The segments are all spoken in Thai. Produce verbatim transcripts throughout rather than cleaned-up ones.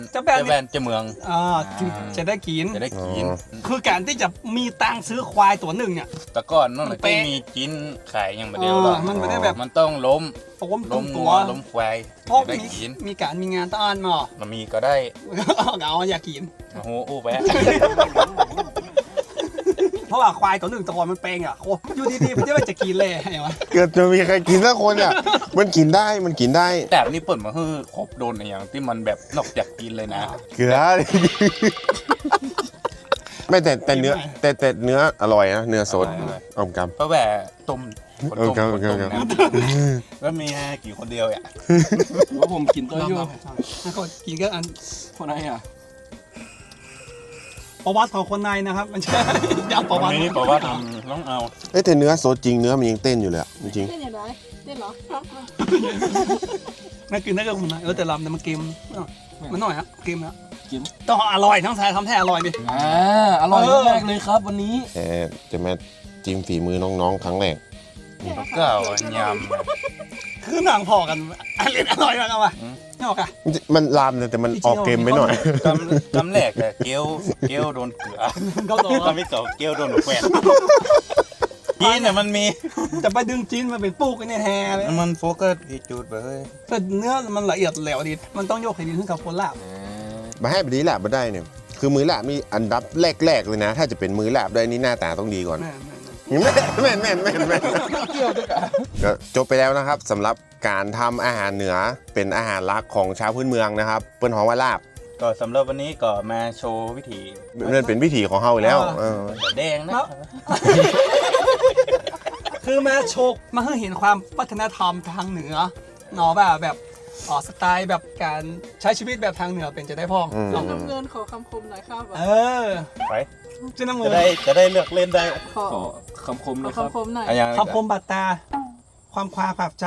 เจ้าแบนเจ้าแบนเจ้าเมืองอ่าจะได้กินจะได้กินคือการที่จะมีตังค์ซื้อควายตัวหนึ่งเนี่ยแต่ก่อนนั่นแหละมันเป๊ะที่มีกินขายอย่างเดียวหรอกเออมันไม่ได้แบบมันต้องล้มโอ้มตรล้งมตังัววล้มควายเพราะจะได้มีกินมีการมีงานต้านมามันมีก็ได้เอาอยากกินโอ้โหอู้แวะเพราะว่าควายตัวหนึ่งตัวมันเปงอ่ะโคอยู่ดีๆมันจะไม่จะกินเลยไงวะเกิดจะมีใครกินสักคนอ่ะ มันกินได้มันกินได้แต่นี่เปิดมาคือครบโดนอย่างที่มันแบบนอกจากกินเลยนะเกลือ ไม่แต่แต่เนื้อแต่แต่เนื้ออร่อยนะเนื้อสดอร่อยอมกเพราะแบบต้มคนเออต้มครับคนครับต้มครับนะแล้วมีกี่คนเดียวอ่ะว่าผมกินตัวอยู่แล้วก็กินก็อันคนไหนอ่ะประวัติของคนในนะครับ มันใช่ยำประวัตินี้บอกว่าทำต้องเอาเอ้ยแต่เนื้อสดจริงเนื้อมันยังเต้นอยู่เลยอะจริงเต้นอย่างไรเต้นเหรอนั่นคือนั่นก็คุณนะเออแต่ลำแต่มันเกมมันหน่อยฮะเกมนะกินต้องอร่อยทั้งสายทำแท้อร่อยดิอ่าอร่อยมากเลยครับวันนี้ๆแต่จะมาจิ้มฝีมือน้องๆครั้งแรกก็เอายคือหนังพอกันอันเล่นอร่อยมากอะวะอืมนี่ออกอะมันลามเลยแต่มันออกเกมไปหน่อยำกำกำแรกแต่เกลียวเกลียวโดนเกลือก็ต่อทำให้เก่าเกลียวโดนหนูแฝดกินเนี่ยมันมีจะไปดึงจีนมาเป็นปูกไอ้เนี่ยแฮเลยมันโฟกัสที่จุดไปเฮ้ยแต่เนื้อมันละเอียดแหลวดีมันต้องโยกให้ดีขึ้นกับคนลาบมาให้แบบนี้แหละมาได้เนี่ยคือมือลาบมีอันดับแรกๆเลยนะ ถ้าจะเป็นมือลาบได้นี่หน้าตาต้องดีก่อนแม่แม่แม่นแม่นแม่นแม่นแม่นก็จบไปแล้วนะครับสำหรับการทำอาหารเหนือเป็นอาหารหลักของชาวพื้นเมืองนะครับเปิ้นฮ้องว่าลาบก็สำหรับวันนี้ก็มาโชว์วิธีนั่นเป็นวิถีของเฮาอยู่แล้วเออแดงนะคือมาโชกมาให้เห็นความวัฒนธรรมทางเหนือเนาะแบบแบบอ๋อสไตล์แบบการใช้ชีวิตแบบทางเหนือเป็นจะได้พ้องอืมลองทำเงินขอคำคมหน่อยครับเออไปจะน้ำมืจะอได้จะได้เลือกเล่นได้ขอขอคำคมขอนะครับคำคมหน่อยอะไรอย่างคำคมบาดตา ความควาขับใจ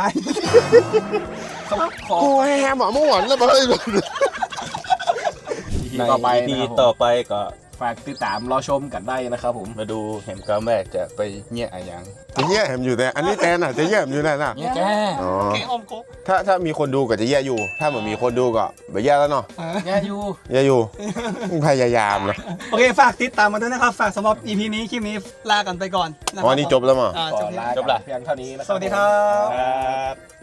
ขอโอ้ยแฮมหมอม่วนแล้วมาเลยทีต่อไปทีนะครับผมต่อไปก็ฝากติดตามรอชมกันได้นะครับผมมาดูเห็นกำแรกจะไปเงี้ยอะไรอย่างจะแย่แฮมอยู่แต่อันนี้แตนอ่ะจะแย่มอยู่นั่นน่ะเงี้ยแกอ๋อเก่งอมกบถ้าถ้ามีคนดูก็จะแย่อยู่ ถ้าเหมือนมีคนดูก็ไม่แย่แล้วเนาะเออแย่อยู่แย่อยู่พยายามนะโอเคฝากติดตามมาด้วยนะครับ ฝากสำหรับ อี พี นี้คลิปนี้ลากันไปก่อนนะคอ๋รัอนี่จบแล้วมั้งอ่าขจอบแล้วลากันเพียงเท่านี้นะครัสวัสดีครับครับ